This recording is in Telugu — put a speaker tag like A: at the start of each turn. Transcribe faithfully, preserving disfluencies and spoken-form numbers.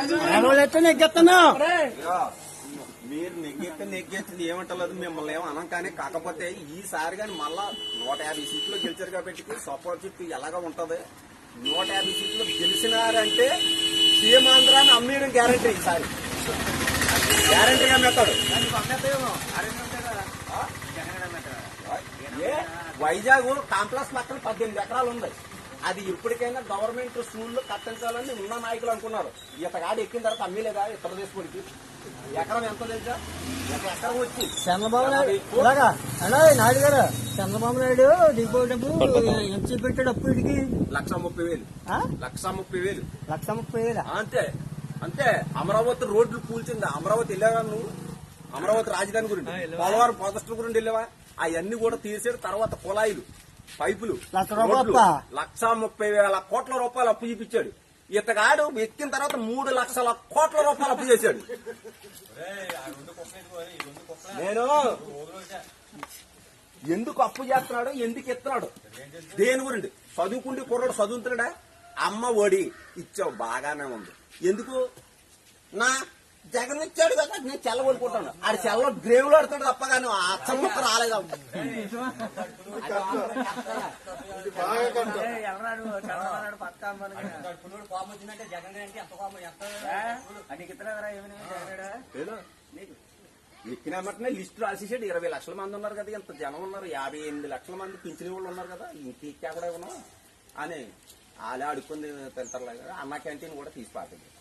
A: నెగ్గెత్తాను.
B: మీరు నెగ్గెత్తే నెగ్గెత్తింది ఏమంటలేదు, మిమ్మల్ని ఏమో అనం. కానీ కాకపోతే ఈసారి కానీ మళ్ళా నూట యాభై సీట్లు గెలిచారు కాబట్టి సపోర్ట్ చుట్టూ ఎలాగా ఉంటది. నూట యాభై సీట్లు గెలిచినారంటే సీమాంధ్రాన్ని అమ్మేయడం గ్యారంటీ. ఈసారి గ్యారంటీగా మెత్తాడు. ఏ వైజాగ్ కాంప్లెక్స్ పక్కన పద్దెనిమిది ఎకరాలు ఉంది. అది ఇప్పటికైనా గవర్నమెంట్ స్కూల్లో కట్టించాలని ఉన్న నాయకులు అనుకున్నారు. ఇతగాడు ఎక్కిన తర్వాత అమ్మేలేదా ఇతర దేశపడికి ఎకరం ఎంత తెలుసా? ఎకరం వచ్చి
A: చంద్రబాబు నాయుడు ఇలాగా అలా నాయుడు గారు చంద్రబాబు నాయుడు దిగిపోయేటప్పుడు ఎంత పెట్టాడు అప్పు ఇటుకి?
B: లక్ష ముప్పై వేలు లక్ష ముప్పై వేలు
A: లక్ష ముప్పై వేలు
B: అంతే అంతే. అమరావతి రోడ్లు కూల్చింది. అమరావతి వెళ్ళావా నువ్వు? అమరావతి రాజధాని గురించి, పోలవరం ప్రాజెక్టుల గురించి వెళ్ళావా? అవన్నీ కూడా తీసేడు. తర్వాత కుళాయిలు, పైపులు, లక్ష ముప్పై వేల కోట్ల రూపాయలు అప్పు చూపించాడు. ఇతగాడు ఎక్కిన తర్వాత మూడు లక్షల కోట్ల రూపాయలు అప్పు చేశాడు. నేను ఎందుకు అప్పు చేస్తున్నాడు, ఎందుకు ఎత్తున్నాడు, దేని గురించి? చదువుకుంటే కుర్రాడు చదువుతున్నాడా? అమ్మ ఒడి ఇచ్చావు, బాగానే ఉంది. ఎందుకు? నా జగన్ ఇచ్చాడు కదా, నేను చెల్లగొడుకుంటాను. ఆడి చెల్ల గ్రేవ్ లో ఆడుతాడు తప్ప కానీ అచ్చం ముక్క రాలేదు. ఎక్కినామంటనే లిస్టు రాసేసాడు. ఇరవై లక్షల మంది ఉన్నారు కదా, ఇంత జనం ఉన్నారు. యాభై ఎనిమిది లక్షల మంది పింఛని వాళ్ళు ఉన్నారు కదా, ఇంకెక్కడ ఉన్నాం అని వాళ్ళే అడుక్కుంది తింటారు. అన్న క్యాంటీన్ కూడా తీసి పాటింది.